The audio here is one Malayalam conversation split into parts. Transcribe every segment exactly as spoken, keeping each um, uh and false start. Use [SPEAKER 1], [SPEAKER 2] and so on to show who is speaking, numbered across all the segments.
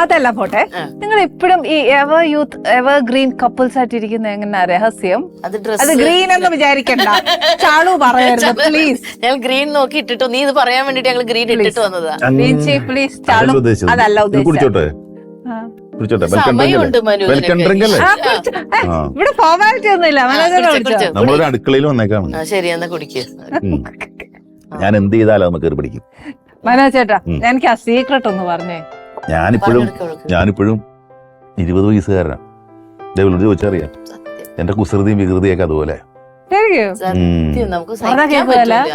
[SPEAKER 1] അതല്ല പോട്ടെ, നിങ്ങൾ ഇപ്പോഴും ഈ ever youth evergreen couples ആയിട്ട് ഇരിക്കുന്ന എങ്ങനെ രഹസ്യം? അത് ഗ്രീൻ എന്ന് വിചാരിക്കണ്ട, ചാളു പറയരുത് പ്ലീസ്.
[SPEAKER 2] ഞങ്ങൾ ഗ്രീൻ നോക്കി ഇട്ടിട്ടു, നീ ഇത് പറയാൻ വേണ്ടിട്ട് ഞങ്ങൾ ഗ്രീൻ ഇട്ടിട്ട് വന്നതാ.
[SPEAKER 1] പ്ലീസ് ചാളു, അതല്ല ഉദ്ദേശിച്ചത്.
[SPEAKER 2] സമയമുണ്ട് മനു,
[SPEAKER 1] ഇവിടെ ഫോർമാലിറ്റി ഒന്നുമില്ല.
[SPEAKER 3] നമ്മളൊരു അടുക്കളയിൽ വന്നേക്കാണ്.
[SPEAKER 2] ശരി എന്നാ കുടിക്കുക.
[SPEAKER 3] ഞാൻ എന്ത് ചെയ്താലും നമുക്ക് പിടിക്കും.
[SPEAKER 1] മനോജ് ചേട്ടാ, എനിക്ക് ആ സീക്രട്ട് ഒന്ന് പറഞ്ഞേ.
[SPEAKER 3] ഞാനിപ്പോഴും ഞാനിപ്പോഴും ഇരുപത് വയസ്സുകാരനാണ്. ഡെവലപ്പ് ചോദിച്ചറിയാം, എന്റെ കുസൃതിയും വികൃതിയൊക്കെ അതുപോലെ.
[SPEAKER 2] സത്യം നമുക്ക് സഹിക്കാൻ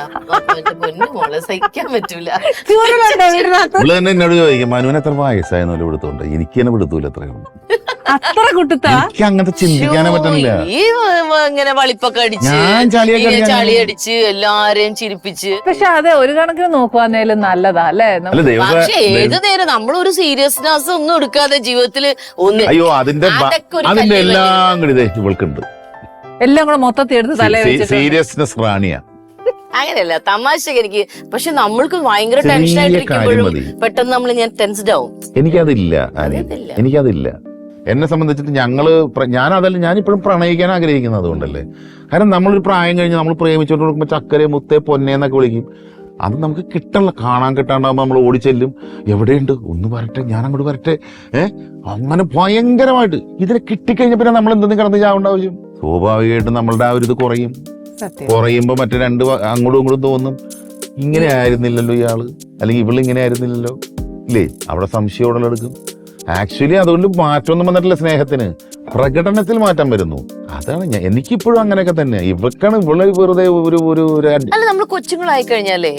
[SPEAKER 2] പറ്റൂല.
[SPEAKER 3] ഇവിടെ തന്നെ എന്നോട് ചോദിക്കും, മനുവിന് എത്ര വയസ്സായെന്നല്ലോ ഇവിടുത്തോണ്ട്. എനിക്ക് തന്നെ വിടുത്തൂല എത്രയാണ്. എനിക്ക് അങ്ങനത്തെ ചിന്തിക്കാനേ പറ്റുന്നില്ല.
[SPEAKER 2] ഈ ഇങ്ങനെ വളിപ്പൊക്കെ അടിച്ച് ചളി അടിച്ച് എല്ലാരെയും ചിരിപ്പിച്ച്.
[SPEAKER 1] പക്ഷെ അത് ഒരു കണക്കിന് നോക്കുവാന്നേലും നല്ലതാ അല്ലേ?
[SPEAKER 2] പക്ഷെ ഏത് നേരം നമ്മളൊരു സീരിയസ്നെസ് ഒന്നും എടുക്കാതെ ജീവിതത്തില് ഒന്ന്
[SPEAKER 3] അയ്യോ അതിന്റെ അതിന്റെ എല്ലാം കൂടി ഇവൾക്കുണ്ട്.
[SPEAKER 1] എല്ലാം കൂടെ മൊത്തത്തിൽ എടുത്ത് തലേ
[SPEAKER 3] സീരിയസ്നെസ് റാണിയാ.
[SPEAKER 2] അങ്ങനെയല്ല, തമാശക്ക് എനിക്ക്. പക്ഷെ നമ്മൾക്ക് ഭയങ്കര ടെൻഷൻ ആയിട്ടിരിക്കുമ്പോഴും പെട്ടെന്ന് നമ്മൾ ഞാൻ ടെൻസ്ഡ് ആവും.
[SPEAKER 3] എനിക്കതില്ല, എനിക്കതില്ല. എന്നെ സംബന്ധിച്ചിട്ട് ഞങ്ങള് ഞാൻ അതല്ല ഞാനിപ്പോഴും പ്രണയിക്കാൻ ആഗ്രഹിക്കുന്നത് അതുകൊണ്ടല്ലേ. കാരണം നമ്മളൊരു പ്രായം കഴിഞ്ഞ് നമ്മൾ പ്രേമിച്ചോണ്ട് കൊടുക്കുമ്പോൾ ചക്കരെ മുത്തേ പൊന്നെ എന്നൊക്കെ വിളിക്കും. അത് നമുക്ക് കിട്ടണല്ലോ, കാണാൻ കിട്ടാണ്ടാകുമ്പോൾ നമ്മൾ ഓടിച്ചെല്ലും. എവിടെയുണ്ട്, ഒന്ന് വരട്ടെ, ഞാൻ അങ്ങോട്ട് വരട്ടെ. ഏഹ് അങ്ങനെ ഭയങ്കരമായിട്ട് ഇതിനെ കിട്ടിക്കഴിഞ്ഞ പിന്നെ നമ്മൾ എന്തെങ്കിലും കിടന്ന് ചാവേണ്ട ആവശ്യം. സ്വാഭാവികമായിട്ടും നമ്മളുടെ ആ ഒരു ഇത് കുറയും. കുറയുമ്പോ മറ്റേ രണ്ട് അങ്ങോട്ടും ഇങ്ങോട്ടും തോന്നും, ഇങ്ങനെ ആയിരുന്നില്ലല്ലോ ഇയാള്, അല്ലെങ്കിൽ ഇവള് ഇങ്ങനെ ആയിരുന്നില്ലല്ലോ, ഇല്ലേ? അവിടെ സംശയം എടുക്കും. ആക്ച്വലി അതുകൊണ്ട് മാറ്റമൊന്നും വന്നിട്ടില്ല. സ്നേഹത്തിന് പ്രകടനത്തിൽ മാറ്റം വരുന്നു. അതാണ് ഞാൻ എനിക്കിപ്പോഴും അങ്ങനെയൊക്കെ തന്നെ. ഇവക്കാണ് ഇവള് വെറുതെ ഒരു ഒരു
[SPEAKER 2] അല്ല, നമ്മള് കൊച്ചുങ്ങളായി കഴിഞ്ഞാലേ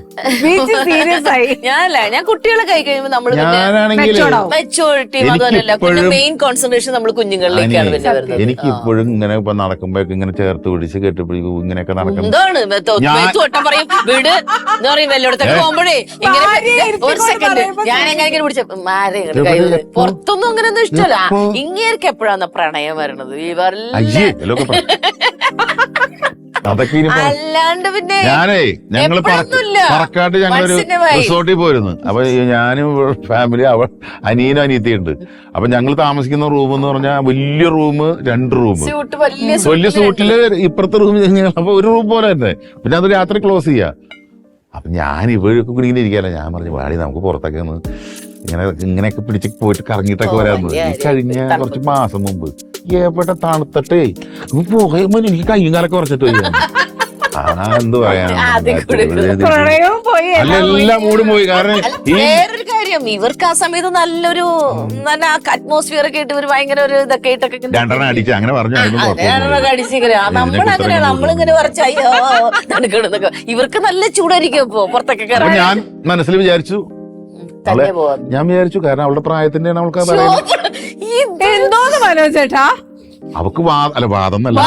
[SPEAKER 2] ഞാനല്ല ഞാൻ കുട്ടികളെ കൈ കഴിയുമ്പോ നമ്മള് മെച്ചോറിറ്റിയും അതുപോലല്ല പിന്നെ മെയിൻ കോൺസെൻട്രേഷൻ നമ്മൾ കുഞ്ഞുങ്ങളിലേക്കാണ് പിന്നെ വരുന്നത്.
[SPEAKER 3] എനിക്ക് ഇപ്പോഴും ഇങ്ങനെ ഇപ്പൊ നടക്കുമ്പോഴൊക്കെ ഇങ്ങനെ ചേർത്ത് പിടിച്ച് കെട്ടിപ്പിടിക്കും, ഇങ്ങനെയൊക്കെ നടക്കും.
[SPEAKER 2] എന്താണ് മേത്തോട്ടം പറയും വീട് എന്താ പറയും വല്ലോടത്തൊക്കെ പോകുമ്പോഴേ ഇങ്ങനെ ഒരു സെക്കൻഡ് ഞാൻ എങ്ങനെ പിടിച്ച മാരെ പുറത്തൊന്നും അങ്ങനെ ഒന്നും ഇഷ്ടമല്ല. ഇങ്ങേർക്ക് എപ്പോഴാണ് പ്രണയം വരണത്? ഈ അല്ലാണ്ട് പിന്നെ
[SPEAKER 3] ഞാനേ ഞങ്ങള് പറക്കാട്ട് ഞങ്ങളൊരു റിസോർട്ടിൽ പോയിരുന്നു. അപ്പൊ ഞാനും ഫാമിലി അവ അനിയനും അനിയത്തിയുണ്ട്. അപ്പൊ ഞങ്ങൾ താമസിക്കുന്ന റൂം എന്ന് പറഞ്ഞാൽ വലിയ റൂം, രണ്ട് റൂം, വലിയ സൂട്ടില് ഇപ്പുറത്തെ റൂം. അപ്പൊ ഒരു റൂം പോലെ തന്നെ. പിന്നെ അത് രാത്രി ക്ലോസ് ചെയ്യാ. അപ്പൊ ഞാൻ ഇവരൊക്കെ കൂടി ഇങ്ങനെ ഇരിക്കാല്ല. ഞാൻ പറഞ്ഞു വാടി നമുക്ക് പുറത്തൊക്കെ ഒന്ന് ഇങ്ങനെ ഇങ്ങനെയൊക്കെ പിടിച്ച് പോയിട്ട് കറങ്ങിയിട്ടൊക്കെ വരാറുണ്ട്. ഈ കഴിഞ്ഞ കുറച്ച് മാസം മുമ്പ് എവിടെ തണുത്തട്ടേ പോകുമ്പോ എനിക്ക് കയ്യും കാലൊക്കെ കുറച്ചിട്ട് പോയി. ആ എന്ത് പറയാ, എല്ലാം മൂടും പോയി. കാരണം
[SPEAKER 2] വേറൊരു കാര്യം, ഇവർക്ക് ആ സമയത്ത് നല്ലൊരു നല്ല അറ്റ്മോസ്ഫിയർ ഒക്കെ ഇട്ട് ഇവർ ഭയങ്കര ഒരു ഇതൊക്കെ ഇട്ടൊക്കെ
[SPEAKER 3] രണ്ടെണ്ണം അടിച്ച് അങ്ങനെ പറഞ്ഞു.
[SPEAKER 2] നമ്മളങ്ങനെ നമ്മളിങ്ങനെ കുറച്ച് അയ്യോ തണുക്കണമെന്നൊക്കെ. ഇവർക്ക് നല്ല ചൂടായിരിക്കും ഇപ്പൊ പുറത്തൊക്കെ.
[SPEAKER 3] ഞാൻ മനസ്സിൽ വിചാരിച്ചു ഞാൻ വിചാരിച്ചു കാരണം അവളുടെ പ്രായത്തിന്റെ അവൾക്ക്
[SPEAKER 1] എന്തോന്ന് മനോജേട്ടാ,
[SPEAKER 3] അവക്ക് അല്ല വാദം അല്ല.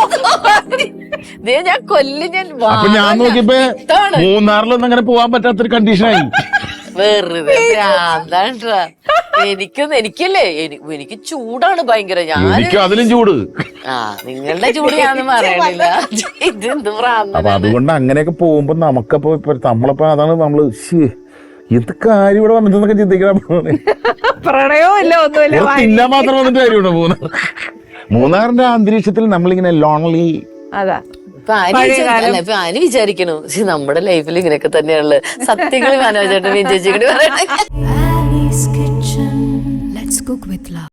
[SPEAKER 2] ഞാൻ കൊല്ലി ഞാൻ
[SPEAKER 3] അപ്പൊ ഞാൻ നോക്കിയപ്പോ മൂന്നാറിലൊന്നും അങ്ങനെ പോവാൻ പറ്റാത്തൊരു കണ്ടീഷനായി.
[SPEAKER 2] വെറുതെ എനിക്കൊന്നും എനിക്കല്ലേ എനിക്ക് ചൂടാണ് ഭയങ്കര.
[SPEAKER 3] എനിക്ക് അതിലും ചൂട്.
[SPEAKER 2] ആ നിങ്ങളുടെ ചൂട് ഞാനൊന്നും പറയണില്ല. ഇതെന്ത് പ്രാന്ത.
[SPEAKER 3] അപ്പൊ അതുകൊണ്ട് അങ്ങനെയൊക്കെ പോകുമ്പോ നമുക്കപ്പോ ഇപ്പൊ നമ്മളിപ്പോ അതാണ് നമ്മള് എന്ത് കാര്യം ഇവിടെ വന്നിട്ടൊക്കെ ചിന്തിക്കണം.
[SPEAKER 1] പ്രണയവും ഇല്ല ഒന്നുമില്ല,
[SPEAKER 3] തിന്നാൻ മാത്രം വന്നിട്ട് കാര്യമുണ്ടോ? മൂന്നാർ മൂന്നാറിന്റെ അന്തരീക്ഷത്തിൽ നമ്മളിങ്ങനെ ലോൺലി.
[SPEAKER 1] അതാ
[SPEAKER 2] ഇപ്പൊ ആര് വിചാരിക്കണു നമ്മുടെ ലൈഫിൽ ഇങ്ങനെയൊക്കെ തന്നെയാണുള്ളത്. സത്യങ്ങൾ മനോജേട്ടൻ വിജയിച്ചിട്ട് പറയണേ.